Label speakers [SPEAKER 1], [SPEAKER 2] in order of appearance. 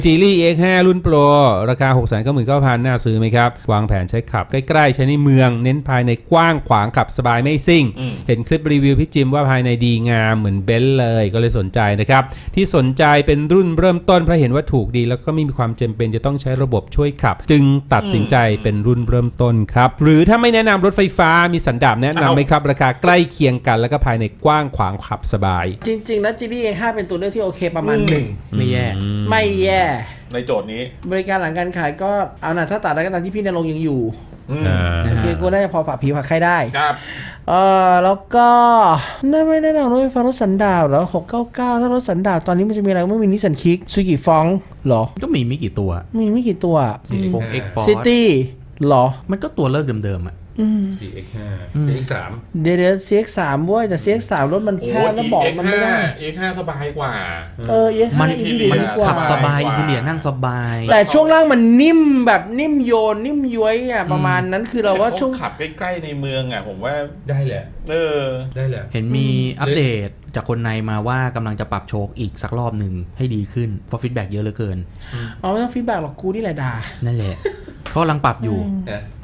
[SPEAKER 1] Geely X5 รุ่นโปรราคา 699,000 น่าซื้อไหมครับวางแผนใช้ขับใกล้ๆใช้ในเมืองเน้นภายในกว้างขวางขับสบายไม่ซิ่งเห็นคลิปรีวิวพี่จิมว่าภายในดีงามเหมือนเบนซ์เลยก็เลยสนใจนะครับที่สนใจเป็นรุ่นเริ่มต้นเพราะเห็นว่าถูกดีแล้วก็ไม่มีความจำเป็นจะต้องใช้ระบบช่วยขับจึงตัดสินใจเป็นรุ่นเริ่มต้นครับหรือถ้าไม่แนะนำรถไฟฟ้ามีสันดาปแนะนำไหมครับราคาใกล้เคียงกันแล้วก็ภายในกว้างขวางขับสบาย
[SPEAKER 2] จริงๆแล้ว Geely A5 เป็นตัวเลือกที่โอเคประมาณหนึ่ง
[SPEAKER 3] ไม่แย่
[SPEAKER 2] ไม่แย่
[SPEAKER 4] ในโจทย์นี้
[SPEAKER 2] บริการหลังการขายก็เอานะถ้าตัดได้ก็ตามที่พี่ณรงค์ยังอยู่โอเคกูน่าจะพอฝากผีฝากใครได้
[SPEAKER 4] ครับ
[SPEAKER 2] แล้วก็ไม่แนะนำรถไฟฟ้ารถสันดาปแล้ว699ถ้ารถสันดาปตอนนี้มันจะมีอะไรไม่มีนิสสันคิกซูกิฟองหรอ
[SPEAKER 3] ก็มีไม่กี่ตัว
[SPEAKER 2] มีไม่กี่ตัว
[SPEAKER 3] X Force
[SPEAKER 2] ซิตี้หรอ
[SPEAKER 3] มันก็ตัวเลิกเดิมๆอ่ะ
[SPEAKER 1] 4X5 4X3
[SPEAKER 2] เดี๋ยว CX3 เว้ยแต่ CX3 รถมันแคบแล้วบอกมันไม่ได้
[SPEAKER 4] X5 สบายกว่า
[SPEAKER 2] X5
[SPEAKER 3] มัน
[SPEAKER 2] อินทีเรียดีกว่า
[SPEAKER 3] ขับสบายอินทีเรียนั่งสบาย
[SPEAKER 2] แต่ช่วงล่างมันนิ่มแบบนิ่มโยนนิ่มย้วยอ่ะประมาณนั้นคือเราว่าช่วง
[SPEAKER 4] ขับใกล้ๆในเมืองอ่ะผมว่า
[SPEAKER 1] ได้แหละ ได้แหละ
[SPEAKER 3] เห็นมีอัปเดตจากคนในมาว่ากำลังจะปรับโชคอีกสักรอบหนึ่งให้ดีขึ้นเพราะฟีดแบ็กเยอะเหลือเกิน
[SPEAKER 2] ไม่ต้องฟีดแบ็กหรอกกูนี่แหละด่า
[SPEAKER 3] นั่นแหละเขากำลังปรับอยู่